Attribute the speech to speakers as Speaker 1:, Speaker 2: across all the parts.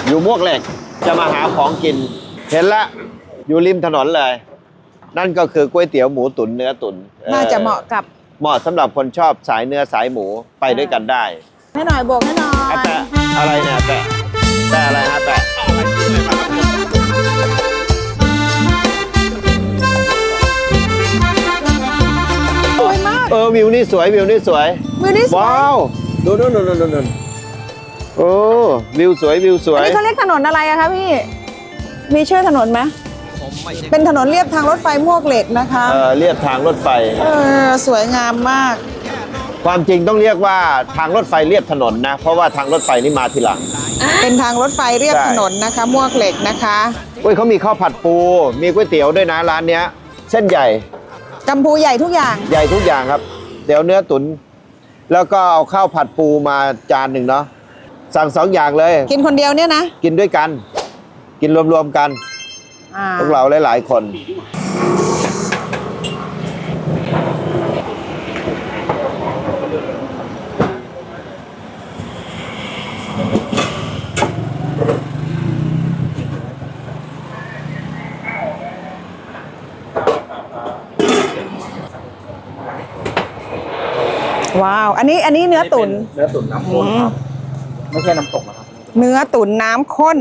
Speaker 1: อยู่มวกเหล็กจะมาหาของกินเห็นละอยู่ริมถนนเลย นั่นก็คือก๋วยเตี๋ยวหมูตุ๋นเนื้อตุ๋น
Speaker 2: น่าจะเหมาะกับ
Speaker 1: เหมาะสำหรับคนชอบสายเนื้อสายหมูไปด้วยกันได้
Speaker 2: ให้หน่อยโบกให้หน่อย
Speaker 1: แปะอะไรเนี่ยแปะอะไรฮะแปะ
Speaker 2: สวยมาก
Speaker 1: วิวนี่สวยวิวนี่สวยว้าวดูโอ้วิวสวยวิวสวย
Speaker 2: อันนี้เขาเรียกถนนอะไรอะคะพี่มีชื่อถนนไหมเป็นถนนเลียบทางรถไฟมวกเหล็กนะคะ
Speaker 1: เลียบทางรถไฟ
Speaker 2: สวยงามมาก
Speaker 1: ความจริงต้องเรียกว่าทางรถไฟเลียบถนนนะเพราะว่าทางรถไฟนี่มาทีหลัง
Speaker 2: เป็นทางรถไฟเลียบถนนนะคะมวกเหล็กนะคะ
Speaker 1: เขามีข้าวผัดปูมีก๋วยเตี๋ยวด้วยนะร้านเนี้ยเส้นใหญ่
Speaker 2: กัมพูใหญ่ทุกอย่าง
Speaker 1: ใหญ่ทุกอย่างครับเดี๋ยวเนื้อตุ๋นแล้วก็เอาข้าวผัดปูมาจานหนึ่งเนาะสั่ง2 อย่างเลย
Speaker 2: กินคนเดียวเนี่ยนะ
Speaker 1: กินด้วยกันกินรวมๆกันพวกเราหลายๆคน
Speaker 2: ว้าวอันนี้เนื้อตุ๋น
Speaker 1: น้ำข้นครับไม่ใช่น้ำตกนะครับ
Speaker 2: เนื้อตุ๋นน้ำข้น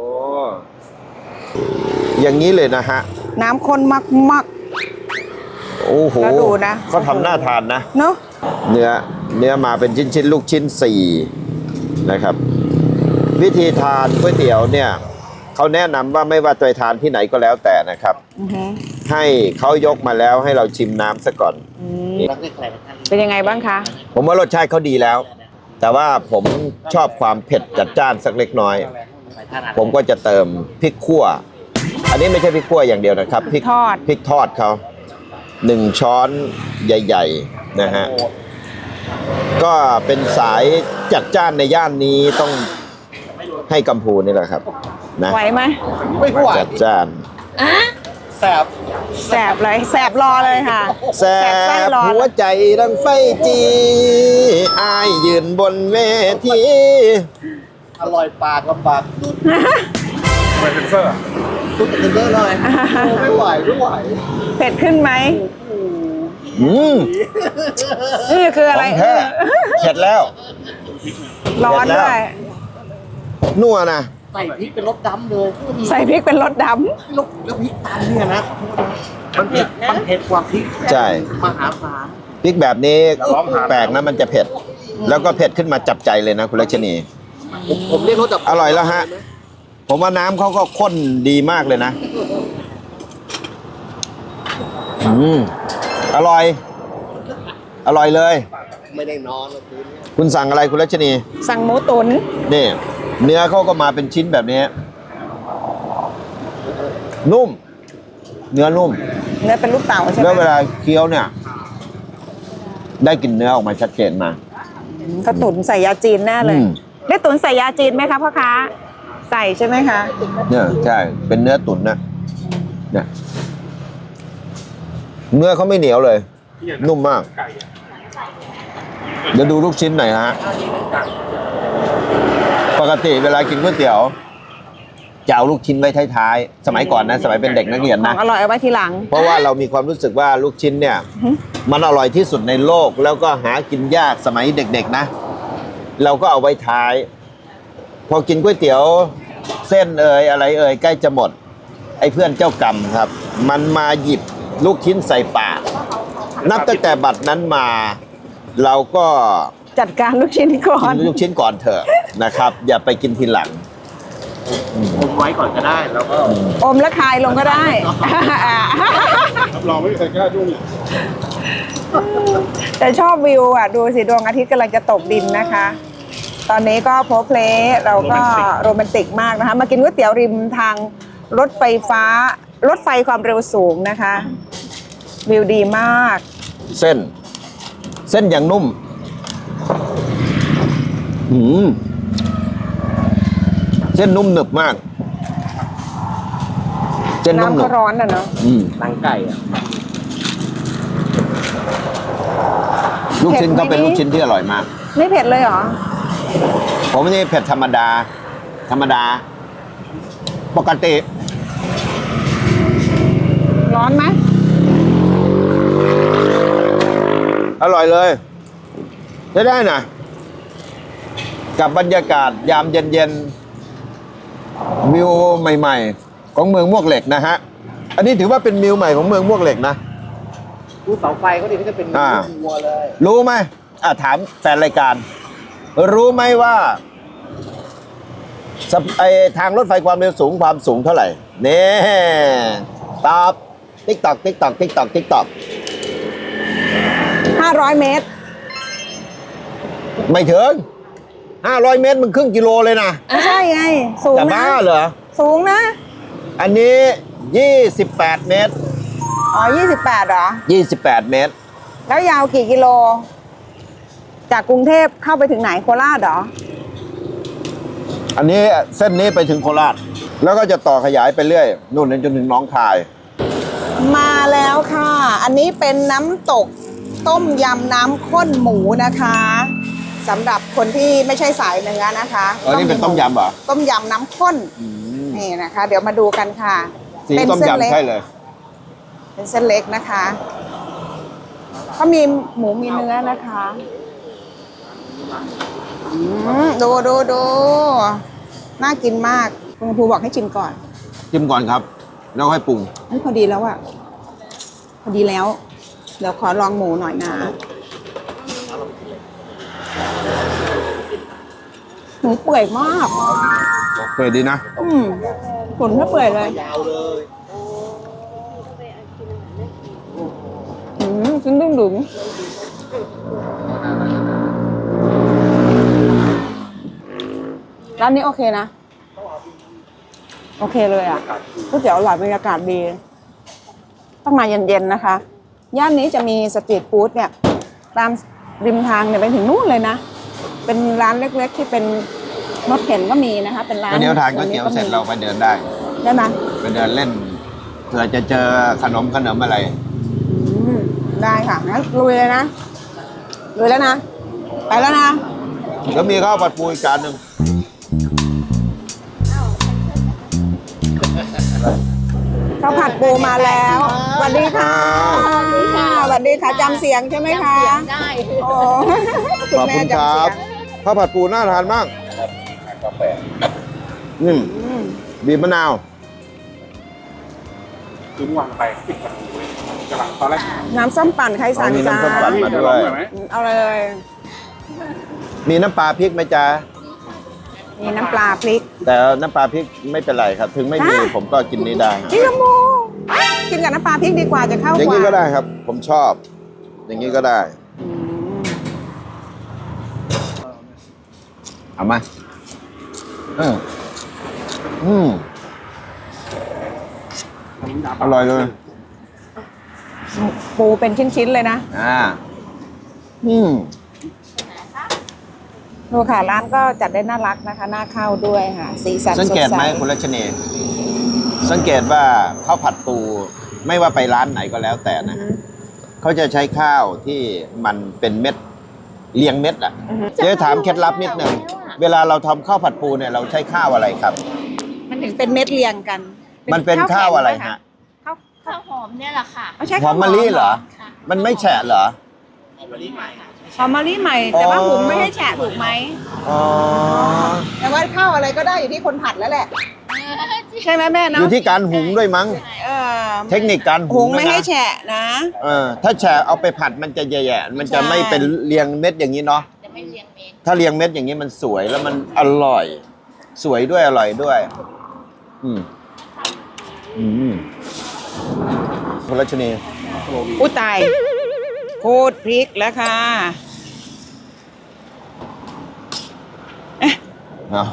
Speaker 1: อย่างนี้เลยนะฮะ
Speaker 2: น้ำข้นมาก
Speaker 1: โอ้โห
Speaker 2: แล้วดูนะ
Speaker 1: เขาทำหน้าทานนะ
Speaker 2: เนาะ
Speaker 1: เนื้อมาเป็นชิ้นลูกชิ้น4นะครับวิธีทานก๋วยเตี๋ยวเนี่ยเขาแนะนำว่าไม่ว่าจะทานที่ไหนก็แล้วแต่นะครับให้เขายกมาแล้วให้เราชิมน้ำซะก่อน
Speaker 2: เป็นยังไงบ้างคะ
Speaker 1: ผมว่ารสชาติเขาดีแล้วแต่ว่าผมชอบความเผ็ดจัดจ้านสักเล็กน้อยผมก็จะเติมพริกขั่วอันนี้ไม่ใช่พริกขั่วอย่างเดียวนะครับพริกทอดเขา1 ช้อนใหญ่ๆนะฮะก็เป็นสายจัดจ้านในย่านนี้ต้องให้กัมพูนี่แหละครับนะ
Speaker 2: ไหวไหม
Speaker 1: ไม่ไหวจัดจ้าน
Speaker 2: แสบเลยแสบรอเลยค่ะ
Speaker 1: แสบหัวใจดังไฟจีอายยืนบนเวทีอร่อยปากลำบากไม่เป็นเฟอร์ตุ๊ดเป็นเฟอร์เลยไม่ไหว
Speaker 2: เผ็ดขึ้นไหมนี่คืออะไร
Speaker 1: เผ็ดแล้ว
Speaker 2: ร้อนด้วย
Speaker 1: นัวนะ
Speaker 3: ใส่พริกเป็นรสดำเลย
Speaker 2: ใส่พริกเป็นรสด
Speaker 3: ำแล้วพริกตามเนี่ยนะมันเผ็ดกว่าพริก
Speaker 1: ใช่
Speaker 3: มหาศาล
Speaker 1: พริกแบบนี้แปลกนะมันจะเผ็ดแล้วก็เผ็ดขึ้นมาจับใจเลยนะคุณลักษณี
Speaker 3: ผมเรียกรสแบบ
Speaker 1: อร่อยแล้วฮะผมว่าน้ำเขาก็ข้นดีมากเลยนะอร่อยเลย
Speaker 3: ไม่ได้นอน
Speaker 1: คุณสั่งอะไรคุณลักษณี
Speaker 2: สั่งหมูตุ๋น
Speaker 1: นี่เนื้อเขาก็มาเป็นชิ้นแบบนี้นุ่มเนื้อนุ่ม
Speaker 2: เนื้อเป็นลูกเต่าใช่ไหม
Speaker 1: แล้วเวลาเคี้ยวเนี่ยได้กลิ่นเนื้อออกมาชัดเจนมา
Speaker 2: เขาตุ๋นใส่ยาจีนแน่เลยได้ตุ๋นใส่ยาจีนไหมคะพ่อค้าใส่ใช่ไหมคะ
Speaker 1: เนี่ยใช่เป็นเนื้อตุ๋นนะเนี่ยเนื้อเขาไม่เหนียวเลยนุ่มมากเดี๋ยวดูลูกชิ้นหน่อยฮะปกติเวลากินก๋วยเตี๋ยวจะเอาลูกชิ้นไว้ท้ายๆสมัยก่อนนะสมัยเป็นเด็กนักเรียนนะ
Speaker 2: อร่อยเอาไว้ทีหลัง
Speaker 1: เพราะว่าเรามีความรู้สึกว่าลูกชิ้นเนี่ยมันอร่อยที่สุดในโลกแล้วก็หากินยากสมัยเด็กๆนะเราก็เอาไว้ท้ายพอกินก๋วยเตี๋ยวเส้นอะไรใกล้จะหมดไอ้เพื่อนเจ้ากรรมครับมันมาหยิบลูกชิ้นใส่ปากนับตั้งแต่บัดนั้นมาเราก็
Speaker 2: จัดการลูกชิ้นก่อน
Speaker 1: กินลูกชิ้นก่อนเถอะนะครับอย่าไปกินทีหลัง
Speaker 3: อมไว้ก่อนก็ได้แล้วก็
Speaker 2: อมแล้วคายลงก็ได้
Speaker 3: รับรองไม่มีใครกล้ายุ่ง
Speaker 2: แต่ชอบวิวอ่ะดูสิดวงอาทิตย์กำลังจะตกดินนะคะตอนนี้ก็โพเพลเราก็โรแมนติกมากนะคะมากินก๋วยเตี๋ยวริมทางรถไฟฟ้ารถไฟความเร็วสูงนะคะวิวดีมาก
Speaker 1: เส้นอย่างนุ่มเส้นนุ่มหนึบมากเส้นนุ่มหนึบ
Speaker 2: น้ำก็ร้อนอ่ะเนาะ
Speaker 3: หนังไก่อ่ะ
Speaker 1: ลูกชิ้นก็เป็นลูกชิ้นที่อร่อยมาก
Speaker 2: ไม่เผ็ดเลยเหรอ
Speaker 1: ผมนี่เผ็ดธรรมดาธรรมดา ปกติ
Speaker 2: ร้อนไหม
Speaker 1: อร่อยเลยใช้ได้นะกับบรรยากาศยามเย็นๆวิวใหม่ๆ ของเมืองมวกเหล็กนะฮะ อันนี้ถือว่าเป็นวิวใหม่ของเมืองมวกเหล็กนะ
Speaker 3: ดูเสาไฟก็ดีก็จะเป็นวัวเลย
Speaker 1: รู้ไหมถามแฟนรายการ รู้ไหมว่าทางรถไฟความเร็วสูงความสูงเท่าไหร่นี่ตอบติ๊กตอกติ๊กตอกติ๊กตอกติ๊กตอก
Speaker 2: 500 เมตร
Speaker 1: ไม่ถึง500 เมตรมันครึ่งกิโลเลยนะ
Speaker 2: ไม่ใช่ไง สูง
Speaker 1: จะ
Speaker 2: นะ
Speaker 1: บ้าเหรอ
Speaker 2: สูงนะ
Speaker 1: อันนี้ 28 เมตร
Speaker 2: อ๋อ 28เหรอ
Speaker 1: 28 เมตร
Speaker 2: แล้วยาวกี่กิโล จากกรุงเทพเข้าไปถึงไหนโคราชเหรอ
Speaker 1: อันนี้เส้นนี้ไปถึงโคราช แล้วก็จะต่อขยายไปเรื่อยนู่นจนถึงหนองคาย
Speaker 2: มาแล้วค่ะ อันนี้เป็นน้ำตกต้มยำน้ำข้นหมูนะคะสำหรับคนที่ไม่ใช่สายเนื้อนะคะ
Speaker 1: อันนี้เป็นต้มยำเหรอ
Speaker 2: ต้มยำน้ำข้นนี่นะคะ เดี๋ยวมาดูกันค่ะ
Speaker 1: สี
Speaker 2: เป็น
Speaker 1: ต้ม
Speaker 2: เส้นเล็
Speaker 1: ยำ
Speaker 2: ก
Speaker 1: ใช่เลย
Speaker 2: เป็นเส้นเล็กนะคะเขามีหมูมีเนื้อนะคะดูน่ากินมากคุณครูบอกให้ชิมก่อน
Speaker 1: ชิมก่อนครับ แล้วให้ปรุง
Speaker 2: เฮ้ยพอดีแล้วอะพอดีแล้ว เดี๋ยวขอลองหมูหน่อยนะหมูเปื่อยมาก
Speaker 1: เปิดดีนะ
Speaker 2: ตุ๋นถ้าเปื่อยเลย
Speaker 3: ยาวเลย
Speaker 2: ชิ้นดุ้งดึงร้านนี้โอเคนะ โอเคเลยอ่ะก๋วยเตี๋ยวอร่อยบรรยากาศดี ต้องมาเย็นๆนะคะ ย่านนี้จะมีสตรีทฟู้ดเนี่ย ตามริมทางเนี่ยไปถึงนู่นเลยนะ เป็นร้านเล็กๆที่เป็นรถเข็นก็มีนะคะ เป็นร้าน
Speaker 1: เดี๋ยวทานก๋วยเตี๋ยวเสร็จเราไปเดินได้
Speaker 2: ได้ไหม
Speaker 1: ไปเดินเล่นเผื่อจะเจอขนมอะไร
Speaker 2: ได้ค่ะงั้นลุยเลยนะลุยแล้วนะ ไปแล้วนะ
Speaker 1: แล้วมีข้าวผัดปูอีกจานหนึ่ง
Speaker 2: ข้าวผัดปูมาแล้วสวัสดีค่ะสวัสดีค่ะจำเสียงใช่ไหมคะจำเสียงได้โอ้
Speaker 1: ขอบคุณครับข้าวผัดปูน่าทานมากบีบมะนาว
Speaker 3: คือเมื่อวานไปปิดประตูเลยกำลังตอนแรก
Speaker 2: น้ำส้มปั่นไข่สัน
Speaker 1: มี
Speaker 2: จ้า
Speaker 1: น้ำส้มปั่นมาด้วย
Speaker 2: เอาเลย
Speaker 1: มีน้ำปลาพริกไหมจ๊ะ
Speaker 2: มีน้ำปลาพริก
Speaker 1: แต่น้ำปลาพริกไม่เป็นไรครับ ถึงไม่มี
Speaker 2: อ่ะ
Speaker 1: ผมก็กินนี้ได้
Speaker 2: พี่ขโมกินกับน้ำปลาพริกดีกว่าจะเข้า
Speaker 1: อย่าง
Speaker 2: ก
Speaker 1: นี้
Speaker 2: ว่า
Speaker 1: ก็ได้ครับ ผมชอบ อย่างนี้ก็ได้ เอามาอร่อยเลย
Speaker 2: ปูเป็นชิ้นๆเลยนะดูค่ะร้านก็จัดได้น่ารักนะคะน่าเข้าด้วยค่ะสีสัน
Speaker 1: สังเกตไหม
Speaker 2: สดใส
Speaker 1: คุณรัชนีสังเกตว่าข้าวผัดปูไม่ว่าไปร้านไหนก็แล้วแต่นะ เขาจะใช้ข้าวที่มันเป็นเม็ดเรียงเม็ดอ่ะเจ๊ถามเคล็ดลับนิดนึงเวลาเราทำข้าวผัดปูเนี่ยเราใช้ข้าวอะไรครับ
Speaker 2: มันถึงเป็นเม็ดเรียงกัน
Speaker 1: มันเป็นข้าวอะไรฮะ
Speaker 4: ข้าวหอมเนี่ยแหละค่ะ
Speaker 2: ไม่ใช่
Speaker 1: หอ
Speaker 2: ข้าว
Speaker 1: มมะลิเหรอ มันไม่แฉะเหรอ
Speaker 2: หอมมะลิใหม่แต่ว่าหุงไม่ให้แฉะถูกไหม
Speaker 1: อ๋อ
Speaker 2: แต่ว่าข้าวอะไรก็ได้อยู่ที่คนผัดแล้วแหละ ใช่ไหมแม่
Speaker 1: อ
Speaker 2: เนาะ
Speaker 1: ยู่ที่การหุงด้วยมั้ง
Speaker 2: เออ
Speaker 1: เทคนิคการ
Speaker 2: หุ
Speaker 1: หุ
Speaker 2: ง
Speaker 1: ง
Speaker 2: ไม่
Speaker 1: ด้วย
Speaker 2: ให้
Speaker 1: นะ
Speaker 2: แฉะนะ
Speaker 1: ถ้าแฉะเอาไปผัดมันจะแย่ๆมันจะไม่เป็นเรียงเม็ดอย่างนี้เนาะ
Speaker 4: จะไม่เรียงเมน
Speaker 1: ถ้าเรียงเม็ดอย่างนี้มันสวยแล้วมันอร่อย สวยด้วยอร่อยด้วย คุณรัชนี
Speaker 2: อุ้ยตายโคตรพริกแล้วค่ะ
Speaker 1: เอา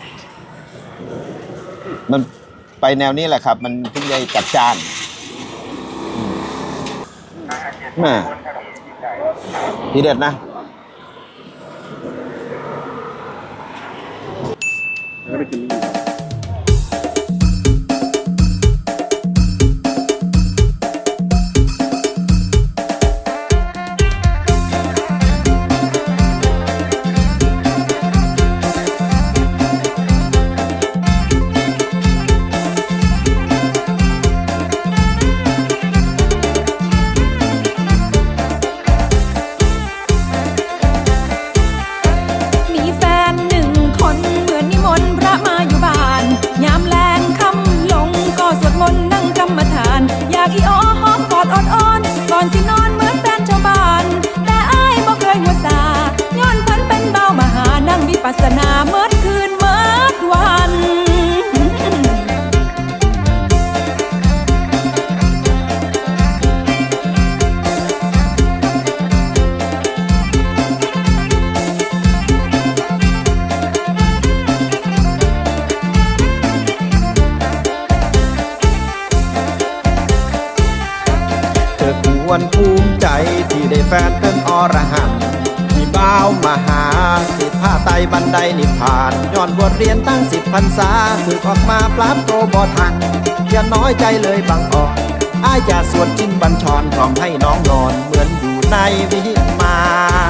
Speaker 1: มันไปแนวนี้แหละครับ มันถึงจะจัดจ้านแม่ทีเด็ดนะ
Speaker 3: แล้วไปกินนี่
Speaker 5: วนภูมิใจที่ได้แฟนเป็นอรหันต์มีบ่าวมาหาสิผ้าไตบันไดนิพพานย้อนบทเรียนตั้ง10 พรรษาฝึกออกมาปราบโตบ่ทันอย่าน้อยใจเลยบางอ่อนอ้ายจะสวดชินบัญชรพร้อมให้น้องนอนเหมือนอยู่ในวิมาน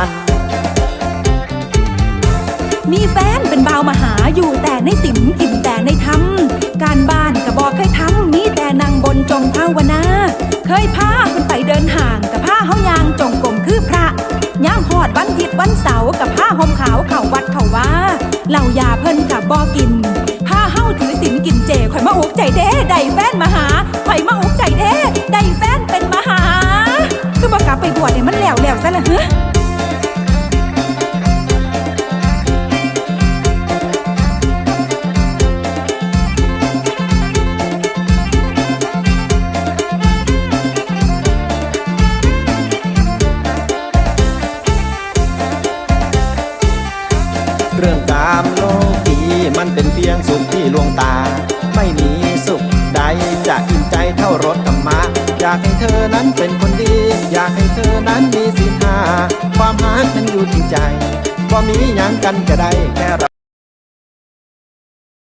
Speaker 6: มีแฟนเป็นบ่าวมาหาอยู่แต่ในศีลอิ่มแต่ในธรรมการบ้านก็บอกเคยทำมีแต่นั่งบนจงภาวนาเคยพาคนไปเดินห่างกับผ้าเฮายางจงกรมคือพระย่ามหอดวันอาทิตย์วันเสาร์กับผ้าห่มขาวเข่าวัดเข่าว่าเหล่ายาเพิ่นกับบอกินผ้าเฮาถือศีลกินเจข่อยมาอุกใจเด้ได้แฟนมาหาข่อยมาอุกใจเด้ได้แฟนเป็นมาหาคือบ่กลับไปบวชเนี่ยมันแล้วซะละเฮ้อ
Speaker 5: เรื่องกามโลกีมันเป็นเพียงสุขที่ลวงตาไม่มีสุขใดจะอิ่มใจเท่ารสธรรมะอยากให้เธอนั้นเป็นคนดีอยากให้เธอนั้นมีศีลห้าความหาฉันอยู่จริงใจบ่มีหยังกันก็ได้แค่